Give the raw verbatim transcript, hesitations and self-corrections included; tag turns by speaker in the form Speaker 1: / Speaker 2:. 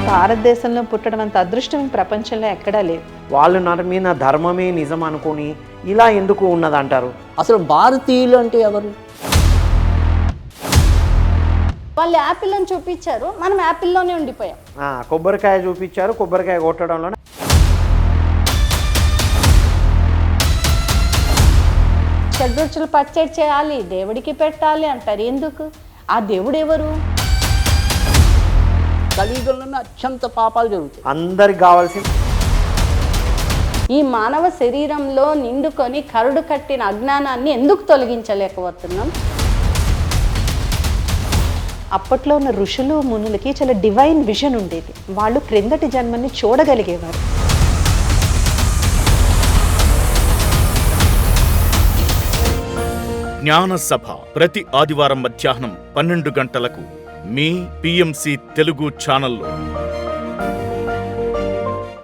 Speaker 1: భారతదేశంలో పుట్టడం అంత అదృష్టం ప్రపంచంలో ఎక్కడా లేదు.
Speaker 2: వాళ్ళు నమ్మిన ధర్మమే నిజం అనుకొని ఇలా ఎందుకు ఉన్నదంటారు?
Speaker 3: అసలు భారతీయులు అంటే ఎవరు?
Speaker 4: వాళ్ళు యాపిల్ అని చూపించారు, మనం యాపిల్లోనే ఉండిపోయాం.
Speaker 2: కొబ్బరికాయ చూపించారు, కొబ్బరికాయ కొట్టడంలో
Speaker 4: షడ్రుచులు పచ్చడి చేయాలి, దేవుడికి పెట్టాలి అంటారు. ఎందుకు? ఆ దేవుడు ఎవరు?
Speaker 3: కలియుగంలోనే అత్యంత పాపాలు జరుగుతాయి.
Speaker 2: అందరికి కావాల్సింది
Speaker 4: ఈ మానవ శరీరంలో నిండుకొని కరుడు కట్టిన అజ్ఞానాన్ని ఎందుకు తొలగించలేకపోతున్నాం?
Speaker 1: అప్పట్లో ఉన్న ఋషులు మునులకి చాలా డివైన్ విజన్ ఉండేది. వాళ్ళు క్రిందటి జన్మని చూడగలిగేవారు.
Speaker 5: జ్ఞాన సభ ప్రతి ఆదివారం మధ్యాహ్నం పన్నెండు గంటలకు మీ పిఎంసి తెలుగు ఛానల్లో.